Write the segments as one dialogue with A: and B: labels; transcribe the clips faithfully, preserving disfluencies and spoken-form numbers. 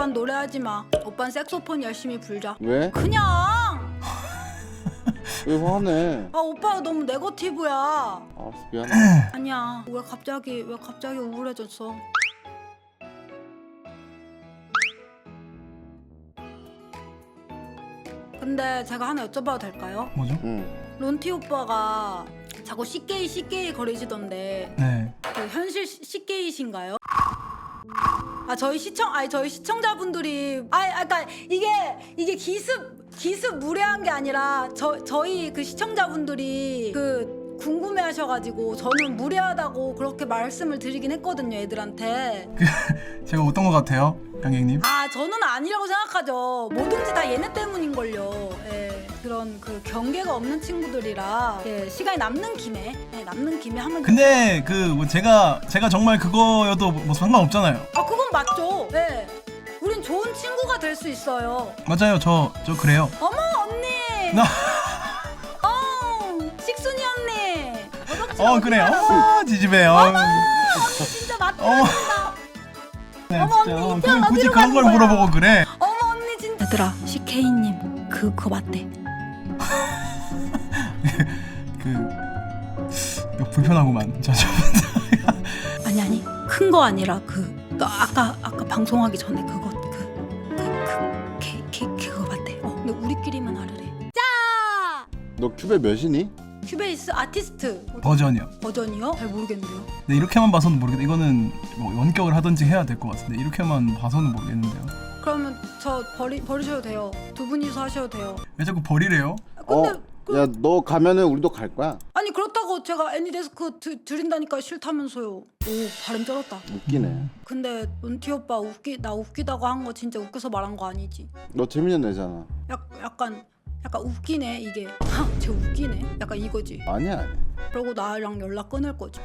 A: 오빤 노래하지 마. 오빤 색소폰 열심히 불자.
B: 왜?
A: 그냥.
B: 왜 화내?
A: 아 오빠가 너무 네거티브야.
B: 알았어 미안해.
A: 아니야. 왜 갑자기 왜 갑자기 우울해졌어? 근데 제가 하나 여쭤봐도 될까요?
C: 뭐죠?
B: 응.
A: 론티 오빠가 자꾸 씨게이 씨게이 거리시던데
C: 네.
A: 그 현실 씨게이신가요? 아 저희 시청 아니 저희 시청자분들이 아니 아까 이게 이게 기습 기습 무례한 게 아니라 저 저희 그 시청자분들이 그 궁금해하셔가지고 저는 무례하다고 그렇게 말씀을 드리긴 했거든요 애들한테.
C: 제가 어떤 것 같아요, 양갱님?
A: 아 저는 아니라고 생각하죠. 뭐든지 다 얘네 때문인걸요. 예, 그런 그 경계가 없는 친구들이라 예, 시간이 남는 김에 예, 남는 김에 하면.
C: 근데 그 뭐 제가 제가 정말 그거여도 뭐 상관없잖아요.
A: 아 그건 맞죠. 예, 우린 좋은 친구가 될 수 있어요.
C: 맞아요, 저 저 그래요.
A: 어머 언니.
C: 나-
A: 어 식순이 언니. 어덕지
C: 어 그래요. 어 지지배요.
A: 어머 언니 진짜 맞다.
C: 어머. 네,
A: 어머,
C: 진짜.
A: 언니, 이
C: 어,
A: 편
C: 그- 굳이
A: 어디로
C: 그런
A: 가는
C: 걸
A: 거야?
C: 물어보고 그래.
A: 어머 언니 진짜. 얘들아 씨케이님 그 그거 맞대.
C: 그 이거 불편하구만. 저 저.
A: 아니 아니 큰 거 아니라 그, 그 아까 아까 방송하기 전에 그거 그그그 그거 맞대. 어 근데 우리끼리만 하르래. 자
B: 너 큐베 몇이니?
A: 큐베이스 아티스트
C: 버전이요.
A: 버전이요? 잘 모르겠는데요.
C: 네, 이렇게만 봐서는 모르겠다. 이거는 뭐 원격을 하든지 해야 될 것 같은데 이렇게만 봐서는 모르겠는데요.
A: 그러면 저 버리 버리셔도 돼요. 두 분이서 하셔도 돼요.
C: 왜 자꾸 버리래요?
A: 근데
B: 어?
A: 그,
B: 야 너 가면은 우리도 갈 거야.
A: 아니 그렇다고 제가 애니데스크 드, 드린다니까 싫다면서요. 오 발음 쩔었다.
B: 웃기네.
A: 근데 은티 오빠 웃기 나 웃기다고 한 거 진짜 웃겨서 말한 거 아니지?
B: 너 재밌는 애잖아.
A: 약 약간 약간 웃기네 이게. 쟤 웃기네. 약간 이거지.
B: 아니야. 아니야.
A: 그러고 나랑 연락 끊을 거지.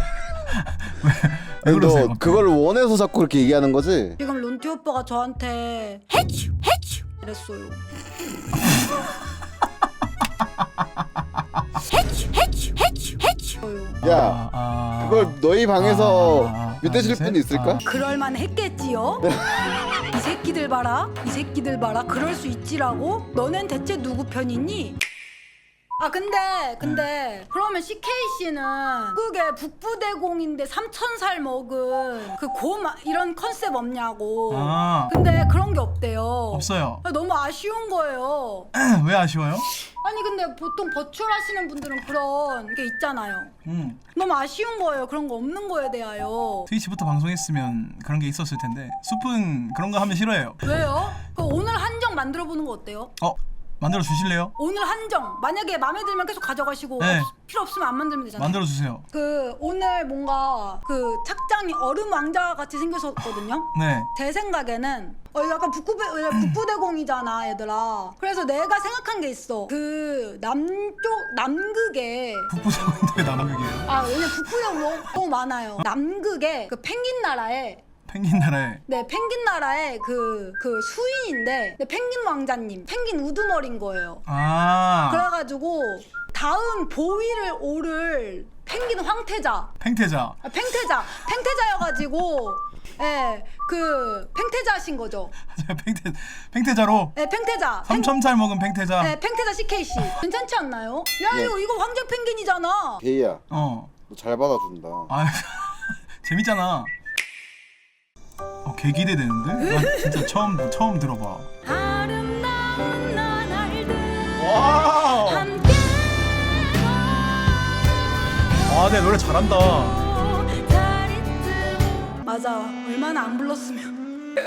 C: 왜 그러세요?
B: 너 그걸 원해서 자꾸 그렇게 얘기하는 거지?
A: 지금 론티 오빠가 저한테 해추 해추 이랬어요. 해추 해추 해추 해추.
B: 야
C: 아, 아,
B: 그걸 너희 방에서
C: 아,
B: 밑대실
C: 아,
B: 분 있을까?
C: 아.
A: 그럴만 했겠지요? 이 새끼들 봐라 이 새끼들 봐라 그럴 수 있지라고? 너넨 대체 누구 편이니? 아 근데 근데 그러면 씨케이씨는 그게 북부대공인데 삼천 살 먹은 그 고 이런 컨셉 없냐고.
C: 아
A: 근데 그런 게 없대요.
C: 없어요.
A: 아, 너무 아쉬운 거예요.
C: 왜 아쉬워요?
A: 아니 근데 보통 버추얼하시는 분들은 그런 게 있잖아요.
C: 음
A: 너무 아쉬운 거예요. 그런 거 없는 거에 대하여.
C: 트위치부터 방송했으면 그런 게 있었을 텐데 숲은 그런 거 하면 싫어해요.
A: 왜요? 그 오늘 한정 만들어 보는 거 어때요?
C: 어 만들어 주실래요?
A: 오늘 한정 만약에 마음에 들면 계속 가져가시고
C: 네.
A: 없, 필요 없으면 안 만들면 되잖아요.
C: 만들어 주세요.
A: 그 오늘 뭔가 그 착장이 얼음 왕자 같이 생겼었거든요.
C: 네.
A: 제 생각에는 어 약간 북부대 북부대공이잖아 얘들아. 그래서 내가 생각한 게 있어. 그 남쪽 남극에
C: 북부사관인데 왜 남극이에요?
A: 아 왜냐 북부대공 너무, 너무 많아요. 남극에 그 펭귄 나라에
C: 펭귄 나라에
A: 네 펭귄 나라의 그 그 수인인데 네, 펭귄 왕자님 펭귄 우두머리인 거예요.
C: 아
A: 그래가지고 다음 보위를 오를 펭귄 황태자
C: 팽태자.
A: 아, 팽태자 팽태자여가지고 예그 팽태자신 거죠.
C: 팽태 팽태자로
A: 예 팽태자 팽-
C: 삼천살 먹은 팽태자.
A: 예 팽태자 씨케이씨 괜찮지 않나요? 야
B: 네.
A: 이거 이거 황제 펭귄이잖아.
B: 게이야
C: 어.
B: 너 잘 받아준다.
C: 아 재밌잖아. 어, 개 기대되는데? 나 진짜 처음 처음 들어봐.
A: 아름다운 나날들
C: 와.
A: 함께
C: 아, 내 노래 잘한다.
A: 맞아 얼마나 안 불렀으면.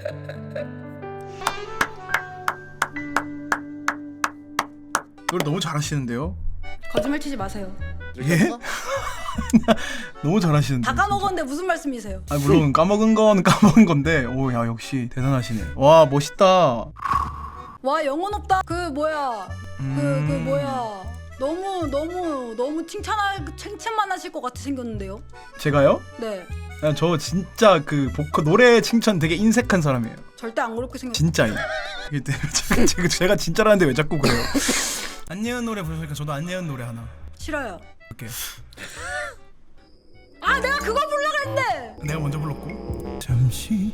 C: 노래 너무 잘하시는데요?
A: 거짓말 치지 마세요.
B: 들켰어?
C: 너무 잘하시는데.
A: 다 까먹었는데 무슨 말씀이세요?
C: 아 물론 까먹은 건 까먹은 건데, 오 야 역시 대단하시네. 와 멋있다.
A: 와 영혼 없다. 그 뭐야 그 그
C: 음.
A: 뭐야 너무 너무 너무 칭찬할 칭찬만 하실 것 같이 생겼는데요.
C: 제가요?
A: 네
C: 아, 저 진짜 그 보컬 노래 칭찬 되게 인색한 사람이에요.
A: 절대 안 그렇게 생겼.
C: 진짜요. 이게 내- 제가, 제가, 제가 진짜라는데 왜 자꾸 그래요? 안예은 노래 부르니까 저도 안예은 노래 하나.
A: 싫어요.
C: 이렇게.
A: 아 내가 그거 불러 그랬는데.
C: 내가 먼저 불렀고. 잠시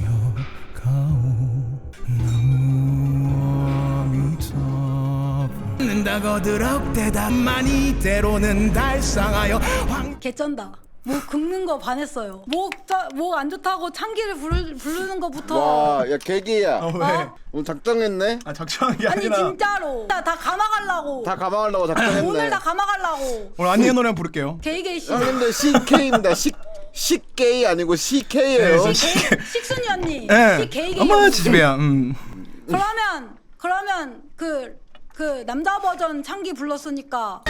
C: 쉬어가오 는다고 드럭대답만이 때로는 달상하여 황...
A: 개쩐다. 목 긁는 거 반했어요. 목목 안 좋다고 창기를 부르, 부르는 거부터.
B: 와, 야 개기야.
C: 어, 왜?
A: 어?
B: 오늘 작정했네.
C: 아 작정한 게
A: 아니
C: 아니라
A: 진짜로. 다, 다 감아가려고.
B: 다 감아가려고 작정했네.
A: 오늘 다 감아가려고.
C: 오늘 안니의 노래 한번 부를게요.
A: 게이게이 씨.
B: 형님들 씨케이입니다. 식 식게이 아니고 씨케이예요.
C: 네,
A: 식순이 언니.
C: 예.
A: 시 게이게이.
C: 어머 지지배야. 음.
A: 그러면 그러면 그 그 남자 버전 창기 불렀으니까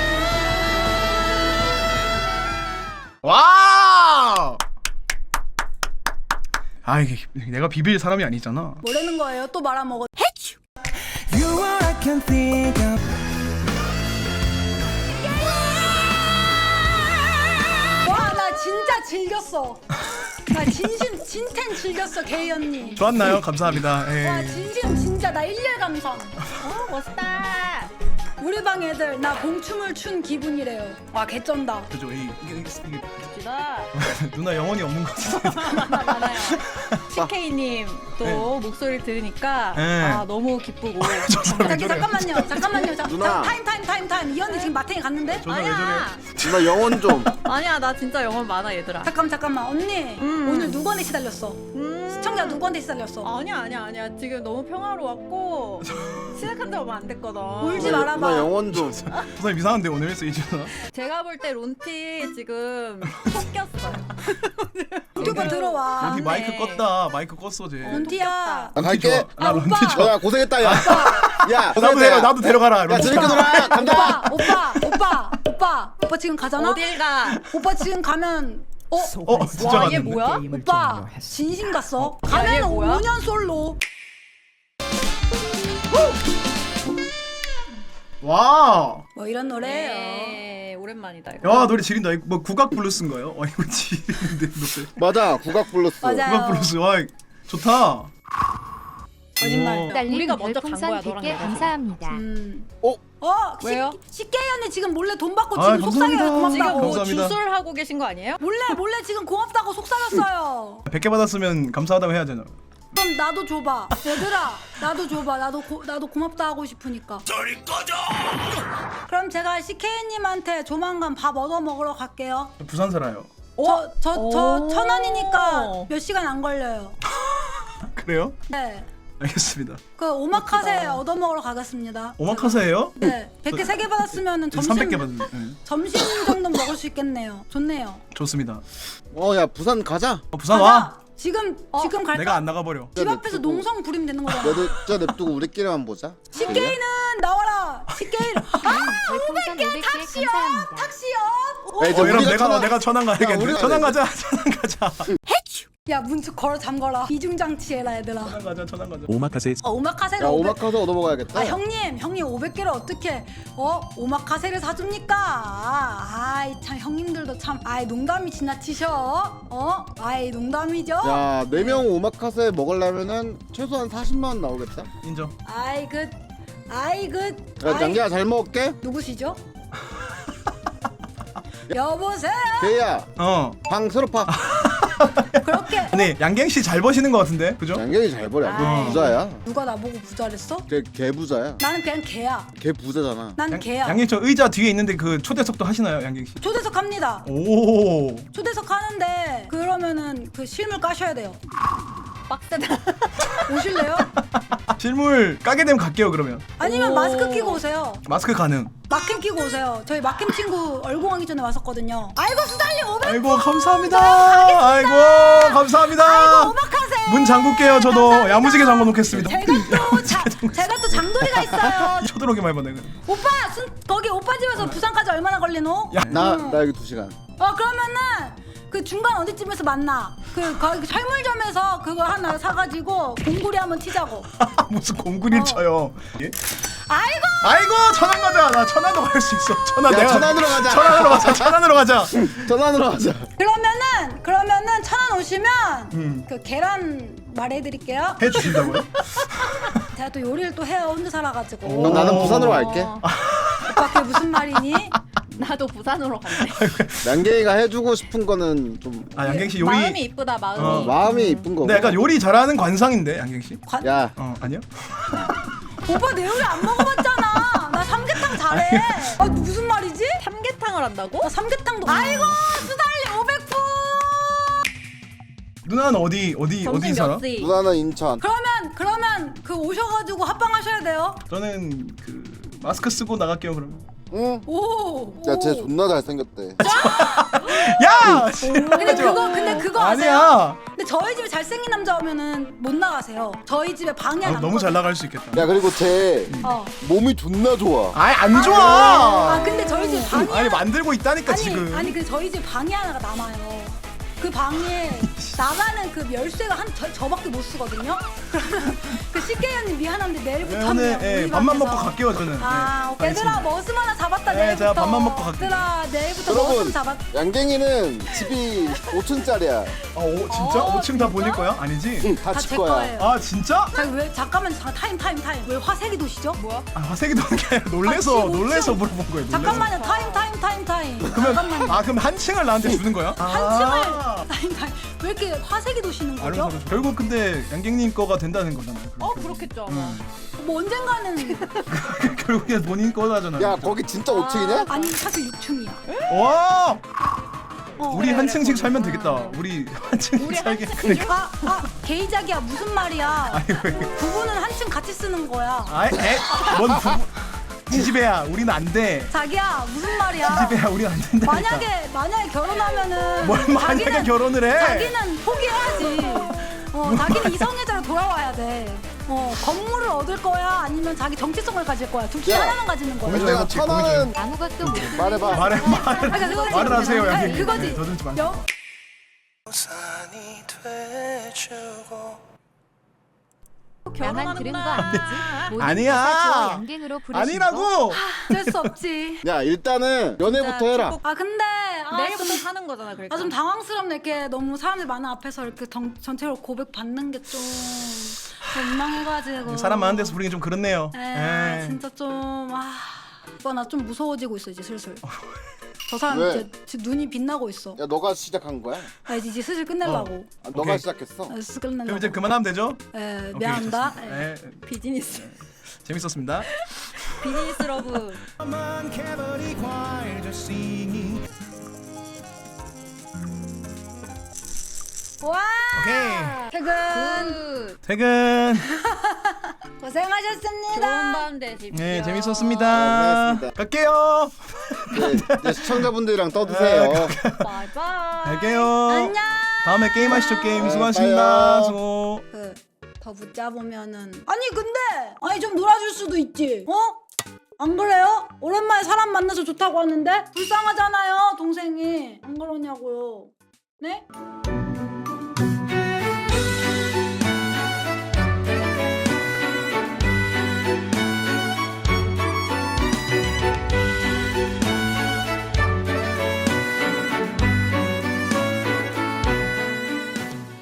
C: 와! 아 이게 내가 비빌 사람이 아니잖아.
A: 뭐라는 거예요? 또 말아먹어.
C: You are I can think of.
A: 와 나 진짜 즐겼어. 나 진심 진텐 즐겼어 게이 언니.
C: 좋았나요? 감사합니다. 에이.
A: 와 진심 진짜 나 일일 감상. 어 멋있다. 우리 방 애들 나 봉춤을 춘 기분이래요. 와 개쩐다.
C: 그죠? 이 이게 이게, 이게
D: 나
C: 누나 영혼이 없는 것 같아.
D: 많아 많아요. 씨케이님 또
C: 네.
D: 목소리 들으니까
C: 네.
D: 아 너무 기쁘고.
A: 잠깐 잠깐만요. 잠깐만요. 잠,
B: 누나.
A: 타임 타임 타임 타임. 이 언니 지금 마탱이 갔는데?
C: 저는 왜
D: 아니야.
B: 누나 영혼 좀.
D: 아니야 나 진짜 영혼 많아 얘들아.
A: 잠깐 잠깐만 언니
D: 음.
A: 오늘 누구한테 시달렸어?
D: 음.
A: 시청자 누구한테 시달렸어?
D: 아니야 아니야 아니야 지금 너무 평화로웠고 시작한 지 얼마 안 됐거든.
A: 울지
B: 누나,
A: 말아봐.
B: 누나 영혼 좀.
C: 부사님 이상한데 오늘 세이즈나.
D: 제가 볼 때 론티 지금 속 꼈어요.
A: 유튜브 들어와.
C: 런티 마이크 껐다. 마이크 껐어 쟤.
A: 런티야.
B: 나 갈게.
C: 나
A: 아,
C: 런티
A: 오빠.
C: 좋아.
B: 야 고생했다 야. 야
C: 나도
B: 고생했다.
C: 데려
B: 야.
C: 나도 데려가라.
B: 야
C: 런티.
B: 재밌게 놀아. 간다.
A: 오빠 오빠 오빠 오빠 오빠 지금 가잖아?
D: 어딜 가?
A: 오빠 지금 가면 어?
C: 어 진짜
D: 와, 얘
C: 갔는데.
D: 뭐야?
A: 오빠 진심 갔어?
D: 얘
A: 가면
D: 뭐야?
A: 오 년 솔로.
C: 와.
A: 뭐 이런 노래예요.
D: 네, 오랜만이다 이거.
C: 야 노래 지린다. 이거 뭐 국악 블루스인가요? 와 이거 지린데 노래.
B: 맞아 국악 블루스.
A: 맞아.
C: 국악 블루스. 와 좋다.
A: 거짓말.
C: 오.
D: 딸- 우리가 먼저 간
E: 별풍선
D: 거야,
E: 백
D: 너랑
E: 개
D: 내가.
E: 감사합니다.
D: 음.
B: 어?
A: 어?
D: 왜요?
A: 식게이 언니 지금 몰래 돈 받고
C: 아,
A: 지금 속삭여요.
C: 감사합니다.
D: 지금
A: 고맙다고.
D: 뭐
C: 감사합니다.
D: 주술하고 계신 거 아니에요?
A: 몰래 몰래 지금 고맙다고 속삭였어요.
C: 백 개 받았으면 감사하다고 해야 되나?
A: 그럼 나도 줘봐. 얘들아 나도 줘봐. 나도 고, 나도 고맙다 하고 싶으니까.
C: 저리 꺼져.
A: 그럼 제가 씨케이님한테 조만간 밥 얻어 먹으러 갈게요.
C: 부산 살아요.
A: 저 저 저
D: 오.
A: 천 원이니까 몇 시간 안 걸려요.
C: 그래요?
A: 네.
C: 알겠습니다.
A: 그 오마카세 얻어 먹으러 가겠습니다.
C: 오마카세예요?
A: 네. 백 개 세 개 받았으면은 점심
C: 삼백 개 받은. 네.
A: 점심 정도 먹을 수 있겠네요. 좋네요.
C: 좋습니다.
B: 어야 부산 가자.
C: 어, 부산
A: 가자.
C: 와.
A: 지금 지금 갈까?
C: 내가 안 나가 버려.
A: 집 앞에서 농성 부리면 되는 거잖아.
B: 너도 저 냅두고 우리끼리만 보자.
A: 씨케이는 나와라. 씨케이. 아
E: 별풍선 오백 개 감사합니다.
A: 탁시요.
B: 야, 이제
C: 어, 이러면
B: 우리가
C: 내가
B: 천안-
C: 내가 천안 가야겠네.
B: 우리가
C: 천안
B: 내-
C: 가자. 천안 가자.
A: 야 문축 걸어 잠거라. 이중장치 해라 얘들아.
C: 천안 가자. 천안 가자.
F: 오마카세
A: 어, 오마카세를
B: 야
A: 오백.
B: 오마카세 얻어 먹어야겠다.
A: 아 형님 형님 오백 개를 어떻게 어 오마카세를 사줍니까? 아이 참 형님들도 참 아이 농담이 지나치셔. 어? 아이 농담이죠?
B: 야 네 명 오마카세 먹으려면은 최소한 사십만 원 나오겠다.
C: 인정.
A: 아이 그 아이 그
B: 야
A: 아이,
B: 장기야 잘 먹을게.
A: 누구시죠? 여보세요.
B: 대야
C: 어.
B: 방 새로 파.
A: 그렇게
C: 근데 양갱 씨 잘 버시는 것 같은데, 그죠?
B: 장경이 잘 버려.
A: 아이.
B: 너 부자야.
A: 누가 나보고 부자랬어?
B: 걔, 걔 부자야.
A: 나는 그냥 개야.
B: 걔 부자잖아.
A: 난
C: 양,
A: 개야.
C: 양갱 저 의자 뒤에 있는데 그 초대석도 하시나요, 양갱 씨?
A: 초대석 합니다.
C: 오.
A: 초대석 하는데 그러면은 그 실물 까셔야 돼요.
D: 빡세다.
A: 오실래요?
C: 실물 까게 되면 갈게요, 그러면.
A: 아니면
D: 오.
A: 마스크 끼고 오세요.
C: 마스크 가능.
A: 막힘 끼고 오세요. 저희 막힘 친구 얼공하기 전에 왔었거든요. 아이고 수달님 오백.
C: 아이고 감사합니다. 아이고 감사합니다.
A: 아이고 오마카세.
C: 문 잠글게요. 저도
A: 감사합니다.
C: 야무지게 잠궈 놓겠습니다.
A: 제가 또 자, 제가 또 장도리가 있어요.
C: 쳐들어오기만 해봐 내가.
A: 오빠 순, 거기 오빠 집에서 부산까지 얼마나 걸리노?
C: 야.
B: 나
A: 음.
B: 나 여기 두 시간.
A: 어 그러면은 그 중간 어디쯤에서 만나? 그 거기 철물점에서 그거 하나 사가지고 공구리 한번 튀자고.
C: 무슨 공구리를
A: 어.
C: 쳐요. 예?
A: 아이고.
C: 아이고 천안 가자. 나 천안도 갈 수 있어. 천안
B: 야,
C: 내가
B: 천안으로 가자.
C: 천안으로 가자. 천안으로 가자.
B: 전화으로 가자.
A: 그러면은 그러면은 천안 오시면
C: 음.
A: 그 계란 말해드릴게요.
C: 해 주신다고요?
A: 제가 또 요리를 또 해요 혼자 살아가지고.
B: 그럼 나는 부산으로 갈게.
A: 오빠 그게 무슨 말이니?
D: 나도 부산으로 갈래.
B: 양갱이가 해주고 싶은 거는 좀
C: 아 양갱 씨 요리.
D: 마음이 이쁘다 마음이.
C: 어.
B: 마음이 이쁜 거고.
C: 네, 약간 요리 잘하는 관상인데 양갱 씨.
A: 관...
B: 야,
C: 어 아니요?
A: 오빠 내 요리 안 먹어봤잖아. 나 삼계탕 잘해. 아 무슨 말이지?
D: 삼계탕을 한다고?
A: 나 삼계탕도. 아이고 수달리 오백 프.
C: 누나는 어디 어디 어디
D: 점심
C: 살아?
D: 몇 시?
B: 누나는 인천.
A: 그러면 그러면 그 오셔가지고 합방하셔야 돼요.
C: 저는 그 마스크 쓰고 나갈게요 그러면.
B: 응.
A: 오.
B: 야, 쟤
A: 오.
B: 존나 잘생겼대.
C: 야!
A: 근데 그거 근데 그거 아세요?
C: 아니야.
A: 근데 저희 집에 잘생긴 남자 오면은 못 나가세요. 저희 집에 방에
C: 아,
A: 안
C: 너무 잘
A: 거든요.
C: 나갈 수 있겠다.
B: 야, 그리고 쟤
A: 어.
B: 몸이 존나 좋아.
C: 아이 안
A: 아
C: 좋아.
A: 근데 저희 집 방이
C: 아니 만들고 있다니까
A: 아니
C: 지금.
A: 아니 근데 저희 집 방이 하나가 남아요. 그 방에 나가는 그 열쇠가 한 저, 저밖에 못 쓰거든요. 그러면 그 식객님 미안한데 내일부터
C: 네, 오늘 예, 밥만 먹고 갈게요 저는.
A: 아
C: 예,
A: 오케이 얘들아
C: 알겠습니다.
A: 머슴 하나 잡았다
C: 네,
A: 내일부터.
C: 제가 밥만 먹고 갈게요.
A: 얘들아 내일부터 머슴
B: 여러분,
A: 잡았.
B: 양갱이는 집이 오 층짜리야.
C: 아, 오, 진짜?
A: 어,
C: 오 층 다
A: 진짜?
C: 보낼 거야? 아니지?
B: 응,
A: 다
B: 다칠
A: 제
B: 거야.
A: 거예요.
C: 아 진짜?
A: 자, 왜 잠깐만 자, 타임 타임 타임 왜 화색이 도시죠?
D: 뭐야?
C: 아 화색이 도는 게 아니라 놀래서
A: 아, 지금
C: 놀래서
A: 오 층.
C: 물어본 거예요. 놀래서.
A: 잠깐만요 타임 타임 타임 타임.
C: 그러면
A: 잠깐만요.
C: 아 그럼 한 층을 나한테 주는 거야?
A: 한
C: 아.
A: 층을 타임 타임 왜 이렇게 화색이 도시는 거죠?
C: 알았어, 알았어. 결국 근데 양갱님 거가 된다는 거잖아요.
D: 어 그렇겠죠 아마.
C: 응.
A: 뭐 언젠가는
C: 결국에 본인 거잖아요.
B: 야, 거기 진짜 오 층이냐?
A: 아니 사실 육 층이야.
C: 와!
A: 어.
C: 우리
D: 그래,
C: 한
D: 그래,
C: 층씩
D: 거기.
C: 살면 되겠다. 우리 한 층
D: 우리 한
C: 살게.
D: 층.
A: 아, 아, 게이작이야 무슨 말이야?
C: 아니 왜?
A: 부부는 한 층 같이 쓰는 거야.
C: 아이, 에? 뭔 부부? 지지배야, 우리는 안 돼.
A: 자기야 무슨 말이야?
C: 지지배야, 우리는 안 된다.
A: 만약에 만약에 결혼하면은
C: 뭘 만약에
A: 자기는,
C: 결혼을 해?
A: 자기는 포기해야지. 어, 자기는 이성애자로 돌아와야 돼. 어, 건물을 얻을 거야 아니면 자기 정체성을 가질 거야. 둘 중에
B: 야,
A: 하나만 가지는 거야.
C: 고민좀
B: 내가
C: 해봤지,
B: 천하는
E: 아무것도 모르는
B: 말해봐.
C: 말해, 말을
A: 그러니까 그거지.
C: 말을 하세요,
A: 아니,
C: 양갱님.
A: 그거지.
C: 네, 더듬지 마세요.
A: 여,
E: 나만 들은 거 아니지? 모든
C: 아니야.
E: 가사 좋아 양갱으로 부르신 거?
C: 아니라고.
A: 어쩔 수 없지.
B: 야, 일단은 연애부터 해라.
A: 아 근데 아,
D: 내일부터
A: 좀,
D: 사는 거잖아 그러니까.
A: 아, 좀 당황스럽네. 이렇게 너무 사람들 많은 앞에서 이렇게 정, 전체로 고백 받는 게 좀 민망해가지고.
C: 사람 많은 데서 부르긴 좀 그렇네요.
A: 에
C: 예.
A: 진짜 좀 아. 오빠 나 좀 무서워지고 있어 이제 슬슬. 저 사람
B: 왜?
A: 이제 지금 눈이 빛나고 있어.
B: 야, 너가 시작한 거야?
A: 아 이제 이제 슬슬 끝내려고.
B: 아, 너가
C: 오케이.
B: 시작했어.
A: 아, 슬슬 끝내려고.
C: 그럼 이제 그만하면 되죠?
A: 에
C: 오케이,
A: 미안합니다.
C: 좋습니다.
A: 에.
C: 예.
D: 비즈니스.
C: 재밌었습니다.
D: 비즈니스 러브.
A: 와.
C: 오케이.
A: 퇴근.
D: 굿.
C: 퇴근.
A: 고생하셨습니다.
D: 좋은 밤 되십시오.
C: 네, 재밌었습니다.
B: 고생하셨습니다.
C: 갈게요.
B: 네, 이제 시청자분들이랑 떠드세요.
D: 바이바이.
C: 갈게요.
A: 안녕.
C: 다음에 게임 하시죠. 게임
B: 네,
C: 수고하셨습니다.
B: 봐요.
C: 수고.
A: 그 더 붙자 보면은 아니 근데 아니 좀 놀아줄 수도 있지. 어? 안 그래요? 오랜만에 사람 만나서 좋다고 하는데 불쌍하잖아요 동생이. 안 그러냐고요. 네?